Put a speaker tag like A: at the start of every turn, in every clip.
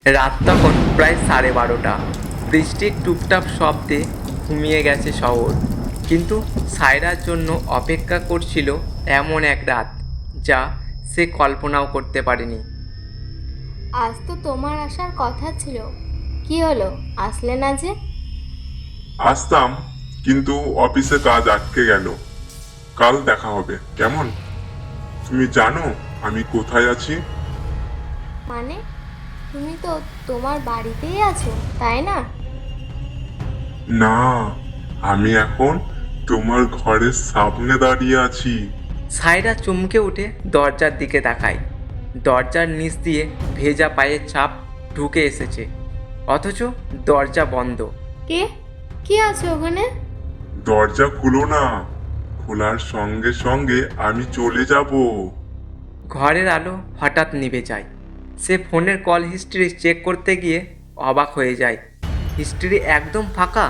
A: রাত তখন প্রায় 12:30। বৃষ্টির টুপটাপ শব্দে ঘুমিয়ে গেছে শহর, কিন্তু সায়রার জন্য অপেক্ষা করছিল এমন এক রাত যা সে কল্পনাও করতে পারেনি।
B: আজ তো তোমার আসার কথা ছিল। কি হলো, আসলে না যে?
C: আসতাম, কিন্তু অফিসে কাজ আটকে গেল। কাল দেখা হবে, কেমন? তুমি জানো আমি কোথায় আছি?
B: মানে, তুমি তো তোমার বাড়িতেই আছো, তাই না?
C: না, আমি এখন তোমার ঘরের সামনে দাঁড়িয়ে আছি।
A: সায়রা চমকে উঠে দরজার দিকে তাকায়। দরজার নিচ দিয়ে ভেজা পায়ের ছাপ ঢুকে এসেছে, অথচ দরজা বন্ধ।
B: কে কে আছে ওখানে?
C: দরজা খুলো না, খোলার সঙ্গে সঙ্গে আমি চলে যাব।
A: ঘরের আলো হঠাৎ নিভে যায়। সে ফোনের কল হিস্ট্রি চেক করতে গিয়ে অবাক হয়ে যায়। হিস্ট্রি একদম ফাঁকা।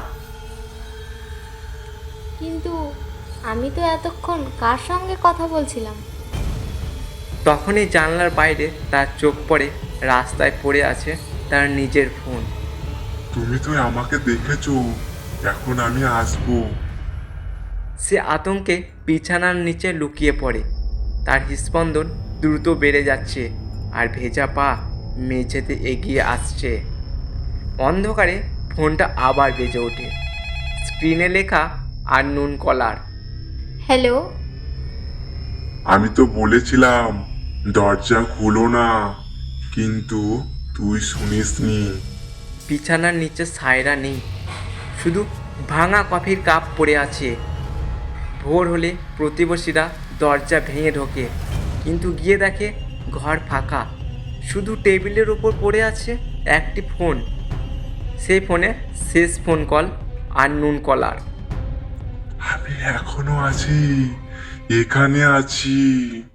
B: কিন্তু আমি তো এতক্ষণ কার সঙ্গে কথা বলছিলাম?
A: তখনই জানলার বাইরে তার চোখ পড়ে রাস্তায় পড়ে আছে তার নিজের ফোন।
C: তুমি তো আমাকে দেখেছো, এখন আমি আসবো।
A: সে আতঙ্কে বিছানার নিচে লুকিয়ে পড়ে। তার হৃস্পন্দন দ্রুত বেড়ে যাচ্ছে, আর ভেজা পা মেঝেতে এগিয়ে আসছে। অন্ধকারে ফোনটা আবার বেজে ওঠে। স্ক্রিনে লেখা আননোন কলার।
B: হ্যালো।
C: আমি তো বলেছিলাম দরজা খুলো না, কিন্তু তুই শুনিসনি।
A: বিছানার নিচে সায়রা নেই, শুধু ভাঙা কফির কাপ পড়ে আছে। ভোর হলে প্রতিবেশীরা দরজা ভেঙে ঢোকে, কিন্তু গিয়ে দেখে ঘর ফাঁকা। শুধু টেবিলের ওপর পড়ে আছে একটি ফোন। সেই ফোনে শেষ ফোন কল আননোন কলার।
C: আমি এখনো আছি, এখানে আছি।